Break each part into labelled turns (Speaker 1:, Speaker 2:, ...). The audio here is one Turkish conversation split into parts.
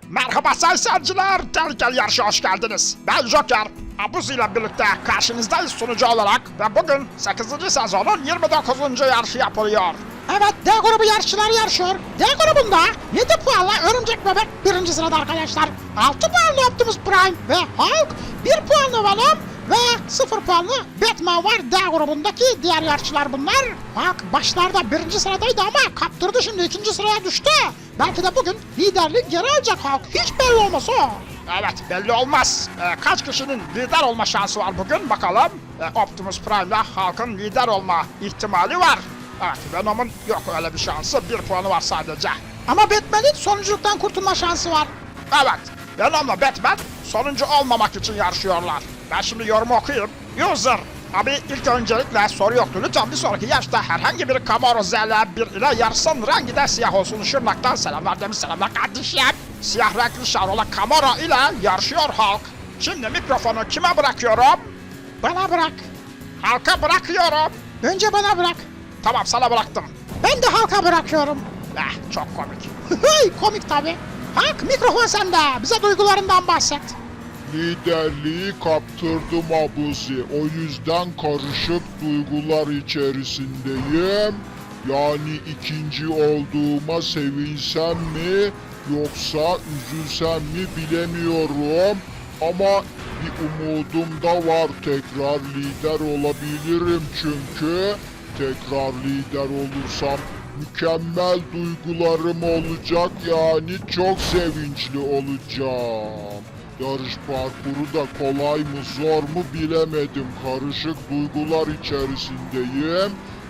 Speaker 1: Merhaba sayın seyirciler, tehlikeli yarışa hoş geldiniz. Ben Joker, Abuzi ile birlikte karşınızdayız sunucu olarak ve bugün 8. sezonun 29. yarışı yapılıyor.
Speaker 2: Evet, D grubu yarışçılar yarışıyor. D grubunda 7 puanla Örümcek Bebek 1. sırada arkadaşlar. 6 puanlı Optimus Prime ve Hulk, 1 puanlı Venom ve 0 puanlı Batman var D grubundaki diğer yarışçılar bunlar. Hulk başlarda 1. sıradaydı ama kaptırdı, şimdi 2. sıraya düştü. Belki de bugün liderliği geri alacak Hulk. Hiç belli olmaz o.
Speaker 1: Evet, belli olmaz. Kaç kişinin lider olma şansı var bugün bakalım. Optimus Prime ile Hulk'ın lider olma ihtimali var. Evet, Venom'un yok öyle bir şansı, 1 puanı var sadece.
Speaker 2: Ama Batman'in sonunculuktan kurtulma şansı var.
Speaker 1: Evet, Venom'la Batman sonuncu olmamak için yarışıyorlar. Ben şimdi yorumu okuyayım. User, abi ilk öncelikle soru yoktu. Lütfen bir sonraki yarışta herhangi bir Camaro ZL1 ile yarışsın. Rengi de siyah olsun. Şırnak'tan selamlar demiş, selamlar kardeşim. Siyah renkli Chevrolet Camaro ile yarışıyor Hulk. Şimdi mikrofonu kime bırakıyorum?
Speaker 2: Bana bırak.
Speaker 1: Hulk'a bırakıyorum.
Speaker 2: Önce bana bırak.
Speaker 1: Tamam, sana bıraktım.
Speaker 2: Ben de Hulk'a bırakıyorum.
Speaker 1: Çok komik.
Speaker 2: Komik tabi. Hulk, mikrofon sende. Bize duygularından bahset.
Speaker 3: Liderliği kaptırdım Abuzi. O yüzden karışık duygular içerisindeyim. Yani ikinci olduğuma sevinsem mi yoksa üzülsem mi bilemiyorum. Ama bir umudum da var. Tekrar lider olabilirim çünkü. Tekrar lider olursam mükemmel duygularım olacak, yani çok sevinçli olacağım. Yarış parkuru da kolay mı zor mu bilemedim. Karışık duygular içerisindeyim.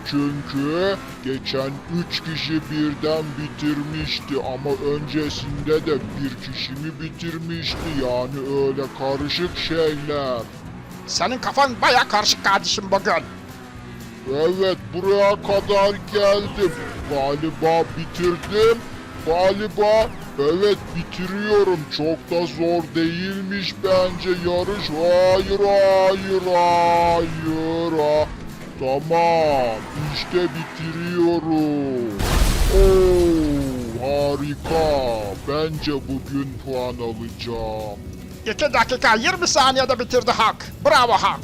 Speaker 3: Çünkü geçen 3 kişi birden bitirmişti ama öncesinde de bir kişi mi bitirmişti, yani öyle karışık şeyler.
Speaker 1: Senin kafan baya karışık kardeşim bugün.
Speaker 3: Evet, buraya kadar geldim. Galiba bitirdim. Galiba evet bitiriyorum. Çok da zor değilmiş bence yarış. Hayır hayır hayır. Tamam, işte bitiriyorum. Oo, harika. Bence bugün puan alacağım.
Speaker 1: 2 dakika 20 saniyede bitirdi Hulk. Bravo Hulk.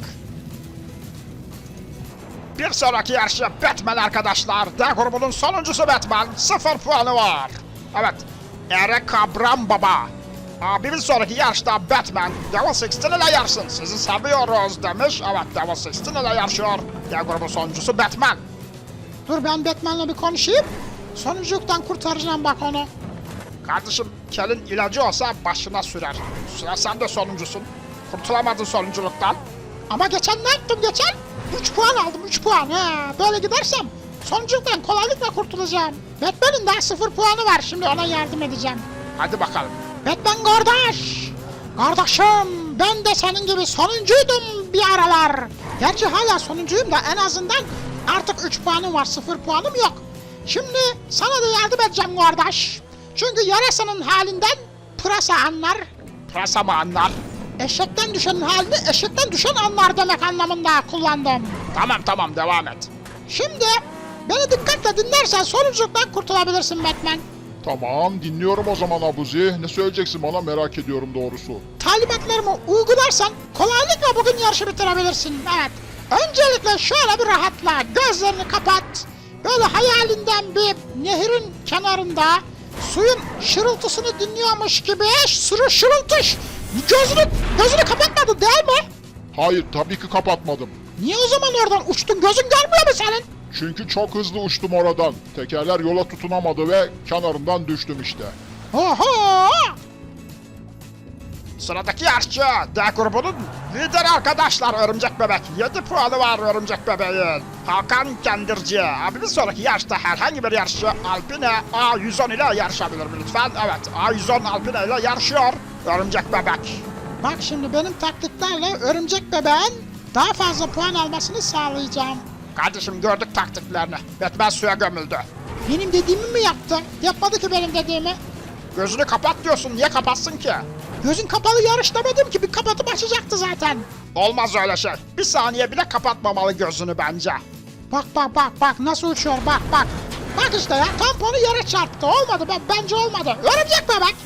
Speaker 1: Bir sonraki yarışı Batman arkadaşlar. D grubunun sonuncusu Batman. 0 puanı var. Evet. Eric Abram Baba. Bir sonraki yarışta Batman Devil 16 ile yarışsın. Sizi seviyoruz demiş. Evet, Devil 16 ile yarışıyor. D grubun sonuncusu Batman.
Speaker 2: Dur, ben Batman'la bir konuşayım. Sonunculuktan kurtaracağım bak onu.
Speaker 1: Kardeşim, kelin ilacı olsa başına sürer. Sıra sen de sonuncusun. Kurtulamadın sonunculuktan.
Speaker 2: Ama geçen ne yaptım geçen? 3 puan aldım, 3 puan. Böyle gidersem sonunculuktan kolaylıkla kurtulacağım. Batman'in daha 0 puanı var, şimdi ona yardım edeceğim.
Speaker 1: Hadi bakalım.
Speaker 2: Batman kardeş! Kardeşim, ben de senin gibi sonuncuydum bir aralar. Gerçi hala sonuncuyum da en azından artık 3 puanım var, 0 puanım yok. Şimdi sana da yardım edeceğim kardeş. Çünkü yarasının halinden pırasa anlar.
Speaker 1: Pırasa mı anlar?
Speaker 2: Eşekten düşenin halini eşekten düşen anlar demek anlamında kullandım.
Speaker 1: Tamam, devam et.
Speaker 2: Şimdi beni dikkatle dinlersen sonunculuktan kurtulabilirsin Batman.
Speaker 3: Tamam, dinliyorum o zaman Abuzi. Ne söyleyeceksin bana, merak ediyorum doğrusu.
Speaker 2: Talimatlarımı uygularsan kolaylıkla bugün yarışı bitirebilirsin. Evet. Öncelikle şöyle bir rahatla. Gözlerini kapat. Böyle hayalinden bir nehrin kenarında suyun şırıltısını dinliyormuş gibi şırıltış. Gözünü kapatmadın değil mi?
Speaker 3: Hayır, tabii ki kapatmadım.
Speaker 2: Niye o zaman oradan uçtun? Gözün görmüyor mu senin?
Speaker 3: Çünkü çok hızlı uçtum oradan. Tekerler yola tutunamadı ve kenarından düştüm işte.
Speaker 2: Oho!
Speaker 1: Sıradaki yarışçı D grubunun lideri arkadaşlar Örümcek Bebek. 7 puanı var Örümcek Bebek'in. Hakan Kendirci. Bir sonraki yarışta herhangi bir yarışçı Alpine A110 ile yarışabilir mi lütfen? Evet, A110 Alpine ile yarışıyor Örümcek Bebek.
Speaker 2: Bak şimdi benim taktiklerle Örümcek Bebeğin daha fazla puan almasını sağlayacağım.
Speaker 1: Kardeşim, gördük taktiklerini. Batman suya gömüldü.
Speaker 2: Benim dediğimi mi yaptı? Yapmadı ki benim dediğimi.
Speaker 1: Gözünü kapat diyorsun, niye kapatsın ki?
Speaker 2: Gözün kapalı yarış demedim ki, bir kapatıp açacaktı zaten.
Speaker 1: Olmaz öyle şey. Bir saniye bile kapatmamalı gözünü bence.
Speaker 2: Bak nasıl uçuyor, bak. Bak işte ya, tamponu yere çarptı, olmadı, bence olmadı. Örümcek Bebek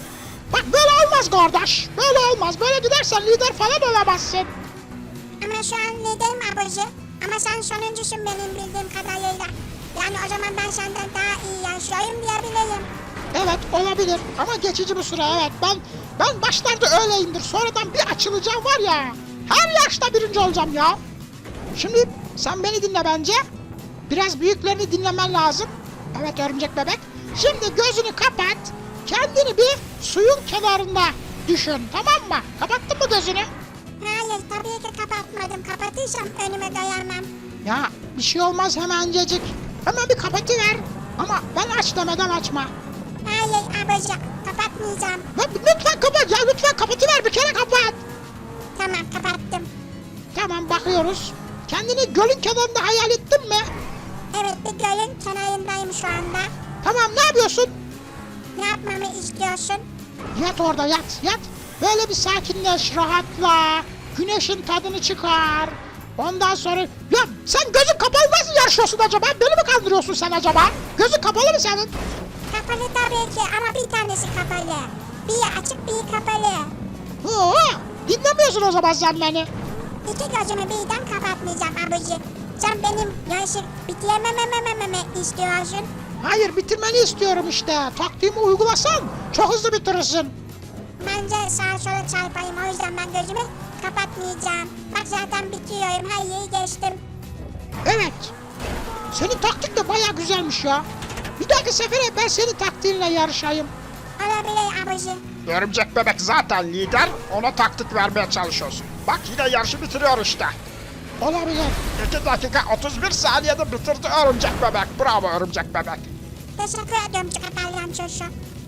Speaker 2: Bak böyle olmaz kardeş. Böyle olmaz. Böyle gidersen lider falan olamazsın.
Speaker 4: Ama şu an liderim abici. Ama sen sonuncusun benim bildiğim kadarıyla. Yani o zaman ben senden daha iyi yaşıyorum diyebilirim.
Speaker 2: Evet olabilir ama geçici bir süre evet. Ben başlarda öyleyimdir. Sonradan bir açılacağım var ya. Her yaşta birinci olacağım ya. Şimdi sen beni dinle bence. Biraz büyüklerini dinlemen lazım. Evet örümcek bebek. Şimdi gözünü kapat. Kendini bir suyun kenarında düşün, tamam mı? Kapattın mı gözünü?
Speaker 4: Hayır tabii ki kapatmadım. Kapatırsam önüme dayanmam.
Speaker 2: Ya bir şey olmaz hemencecik. Hemen bir kapatıver. Ama ben aç demeden açma.
Speaker 4: Hayır abici kapatmayacağım.
Speaker 2: Lütfen kapat ya, lütfen kapatıver, bir kere kapat.
Speaker 4: Tamam kapattım.
Speaker 2: Tamam bakıyoruz. Kendini gölün kenarında hayal ettin mi?
Speaker 4: Evet bir gölün kenarındayım şu anda.
Speaker 2: Tamam ne yapıyorsun?
Speaker 4: Ne yapmamı istiyorsun?
Speaker 2: Yat orada yat. Böyle bir sakinleş, rahatla. Güneşin tadını çıkar. Ondan sonra... Ya sen gözün kapalı nasıl yarışıyorsun acaba? Beni mi kandırıyorsun sen acaba? Gözün kapalı mı senin?
Speaker 4: Kapalı tabii ki ama bir tanesi kapalı. Bir açık bir kapalı.
Speaker 2: Oo, dinlemiyorsun o zaman sen beni.
Speaker 4: İki gözümü birden kapatmayacağım abici. Sen benim yarışı bitiremememememe istiyorsun.
Speaker 2: Hayır bitirmeni istiyorum işte. Taktiğimi uygulasan çok hızlı bitirirsin.
Speaker 4: Bence sağa sola çarpayım o yüzden ben gözümü kapatmayacağım. Bak zaten bitiriyorum her yeri geçtim.
Speaker 2: Evet. Senin taktik de baya güzelmiş ya. Bir dahaki sefere ben senin taktiğinle yarışayım.
Speaker 4: Olabilir abici.
Speaker 1: Örümcek bebek zaten lider, ona taktik vermeye çalışıyorsun. Bak yine yarışı bitiriyor işte.
Speaker 2: Olabilir.
Speaker 1: 2 dakika 31 saniyede bitirdi örümcek bebek. Bravo örümcek bebek.
Speaker 4: Teşekkür ediyorum çıkartalım çocuğu.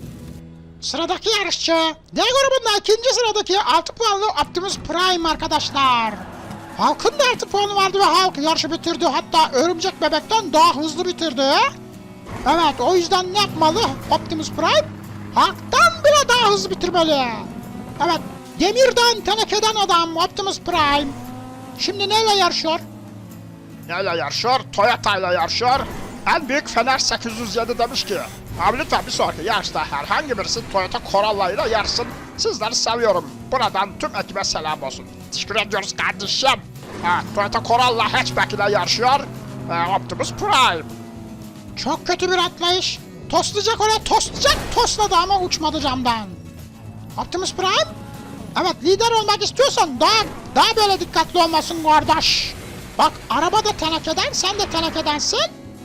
Speaker 2: Sıradaki yarışçı. D grubunda ikinci sıradaki 6 puanlı Optimus Prime arkadaşlar. Hulk'ın da 6 puanı vardı ve Hulk yarışı bitirdi. Hatta örümcek bebekten daha hızlı bitirdi. Evet o yüzden ne yapmalı Optimus Prime? Hulk'tan bile daha hızlı bitirmeli. Evet demirden tenekeden adam Optimus Prime. Şimdi neyle yarışıyor?
Speaker 1: Neyle yarışıyor? Toyota ile yarışıyor. En büyük Fener 807 demiş ki abi lütfen bir sonraki yarışta herhangi birisi Toyota Corolla ile yarışsın. Sizleri seviyorum. Buradan tüm ekibe selam olsun. Teşekkür ediyoruz kardeşim. Evet, Toyota Corolla hatchback ile yarışıyor. Optimus Prime.
Speaker 2: Çok kötü bir atlayış. Toslayacak oraya tosladı ama uçmadı camdan. Optimus Prime? Evet lider olmak istiyorsan daha böyle dikkatli olmasın kardeş. Bak araba da tenekeden sen de tenekedensin.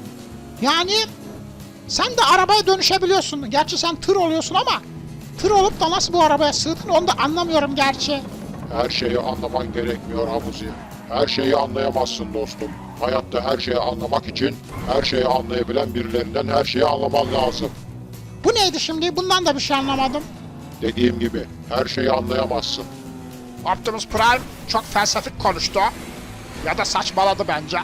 Speaker 2: Yani sen de arabaya dönüşebiliyorsun. Gerçi sen tır oluyorsun ama tır olup da nasıl bu arabaya sığdın onu da anlamıyorum gerçi.
Speaker 3: Her şeyi anlaman gerekmiyor Abuzi. Her şeyi anlayamazsın dostum. Hayatta her şeyi anlamak için her şeyi anlayabilen birilerinden her şeyi anlaman lazım.
Speaker 2: Bu neydi şimdi? Bundan da bir şey anlamadım.
Speaker 3: Dediğim gibi her şeyi anlayamazsın.
Speaker 1: Optimus Prime çok felsefik konuştu. Ya da saçmaladı bence.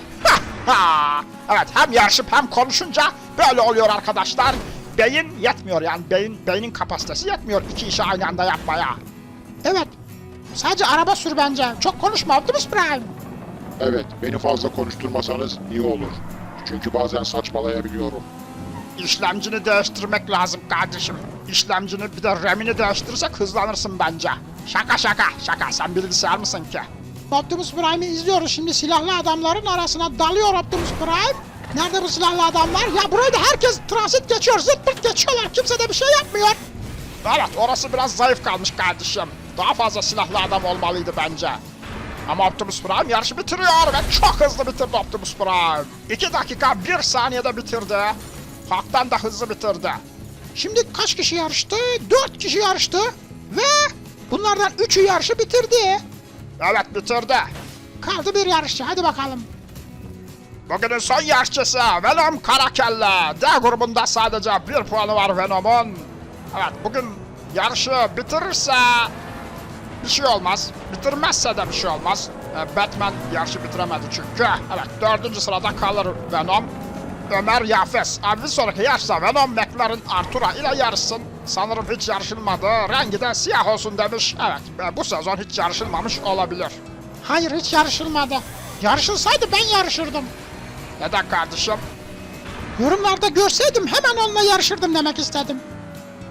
Speaker 1: Evet hem yarışıp hem konuşunca böyle oluyor arkadaşlar. Beyin yetmiyor yani beynin kapasitesi yetmiyor iki işi aynı anda yapmaya.
Speaker 2: Evet. Sadece araba sür bence. Çok konuşma Optimus Prime.
Speaker 3: Evet, beni fazla konuşturmasanız iyi olur. Çünkü bazen saçmalayabiliyorum.
Speaker 1: İşlemcini değiştirmek lazım kardeşim. İşlemcini bir de RAM'ini değiştirirsek hızlanırsın bence. Şaka sen bilgisayar mısın ki?
Speaker 2: Optimus Prime'i izliyoruz şimdi silahlı adamların arasına dalıyor Optimus Prime. Nerede bu silahlı adamlar? Ya burayı da herkes transit geçiyor, zırt pırt geçiyorlar. Kimse de bir şey yapmıyor.
Speaker 1: Evet orası biraz zayıf kalmış kardeşim. Daha fazla silahlı adam olmalıydı bence. Ama Optimus Prime yarışı bitiriyor ve çok hızlı bitirdi Optimus Prime. 2 dakika 1 saniyede bitirdi. Halktan da hızlı bitirdi.
Speaker 2: Şimdi kaç kişi yarıştı? 4 kişi yarıştı. Ve bunlardan 3'ü yarışı bitirdi.
Speaker 1: Evet bitirdi.
Speaker 2: Kaldı bir yarışçı. Hadi bakalım.
Speaker 1: Bugünün son yarışçısı Venom Karakelle. D grubunda sadece 1 puanı var Venom'un. Evet bugün yarışı bitirirse bir şey olmaz. Bitirmezse de bir şey olmaz. Batman yarışı bitiremedi çünkü. Evet 4. sırada kalır Venom. Ömer Yafes. Abi bir sonraki yarışta Venom McLaren Artura ile yarışsın. Sanırım hiç yarışılmadı. Rengi de siyah olsun demiş. Evet bu sezon hiç yarışılmamış olabilir.
Speaker 2: Hayır hiç yarışılmadı. Yarışılsaydı ben yarışırdım.
Speaker 1: Neden kardeşim?
Speaker 2: Yorumlarda görseydim hemen onunla yarışırdım demek istedim.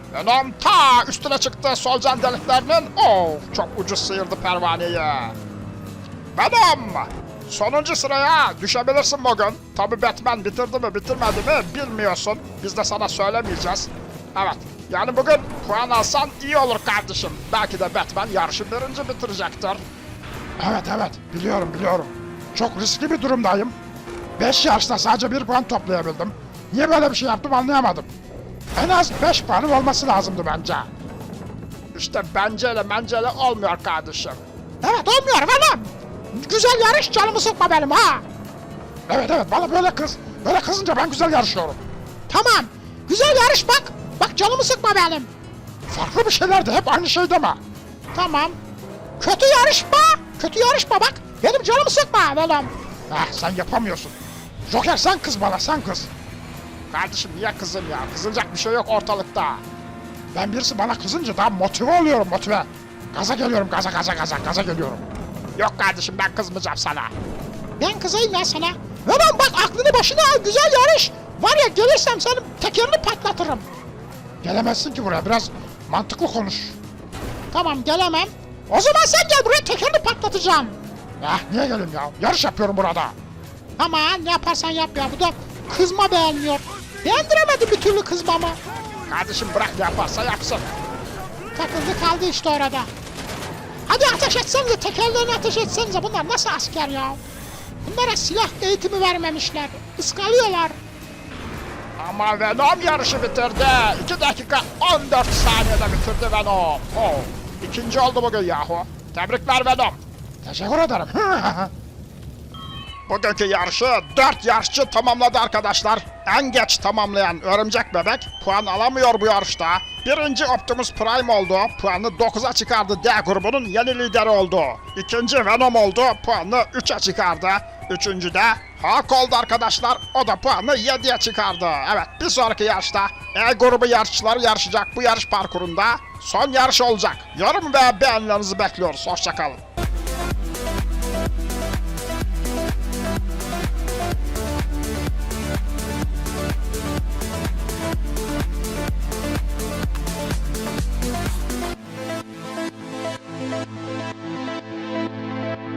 Speaker 1: Venom ta üstüne çıktı solucan deliklerinin. Oh, çok ucuz sıyırdı pervaneyi. Venom! Sonuncu sıraya düşebilirsin bugün. Tabi Batman bitirdi mi bitirmedi mi bilmiyorsun. Biz de sana söylemeyeceğiz. Evet, yani bugün puan alsan iyi olur kardeşim. Belki de Batman yarışı birinci bitirecektir.
Speaker 2: Evet biliyorum. Çok riskli bir durumdayım. 5 yarışta sadece 1 puan toplayabildim. Niye böyle bir şey yaptım anlayamadım. En az 5 puanım olması lazımdı bence.
Speaker 1: İşte menceyle olmuyor kardeşim.
Speaker 2: Evet olmuyor Venom. Güzel yarış, canımı sıkma benim ha. Evet bana böyle kız. Böyle kızınca ben güzel yarışıyorum. Tamam. Güzel yarış bak. Bak canımı sıkma benim. Farklı bir şeyler de hep aynı şey deme. Tamam. Kötü yarışma bak. Benim canımı sıkma Venom. Sen yapamıyorsun. Joker sen kız bana, sen kız.
Speaker 1: Kardeşim niye kızım ya? Kızılacak bir şey yok ortalıkta.
Speaker 2: Ben birisi bana kızınca daha motive oluyorum, motive. Gaza geliyorum, gaza geliyorum.
Speaker 1: Yok kardeşim ben kızmayacağım sana.
Speaker 2: Ben kızayım ya sana. Venom bak aklını başına al, güzel yarış. Var ya gelirsem senin tekerini patlatırım. Gelemezsin ki buraya, biraz mantıklı konuş. Tamam gelemem. O zaman sen gel buraya, tekerini patlatacağım. Niye geleyim ya? Yarış yapıyorum burada. Ama ne yaparsan yap ya, bu da kızma beğenmiyor. Beğendiremedi bir türlü kızmamı.
Speaker 1: Kardeşim bırak ne yaparsa yapsın.
Speaker 2: Takıldı kaldı işte orada. Hadi ateş etsenize, tekerlerini ateş etsenize. Bunlar nasıl asker ya? Bunlara silah eğitimi vermemişler. Iskalıyorlar.
Speaker 1: Ama Venom yarışı bitirdi. 2 dakika 14 saniyede bitirdi Venom. Oh, ikinci oldu bugün yahu. Tebrikler Venom.
Speaker 2: Teşekkür ederim.
Speaker 1: Bugünkü yarışı 4 yarışçı tamamladı arkadaşlar. En geç tamamlayan Örümcek Bebek puan alamıyor bu yarışta. Birinci Optimus Prime oldu. Puanını 9'a çıkardı. D grubunun yeni lideri oldu. İkinci Venom oldu. Puanını 3'e çıkardı. Üçüncü de Hulk oldu arkadaşlar. O da puanını 7'ye çıkardı. Evet, bir sonraki yarışta E grubu yarışçıları yarışacak bu yarış parkurunda. Son yarış olacak. Yorum ve beğenilerinizi bekliyoruz. Hoşçakalın.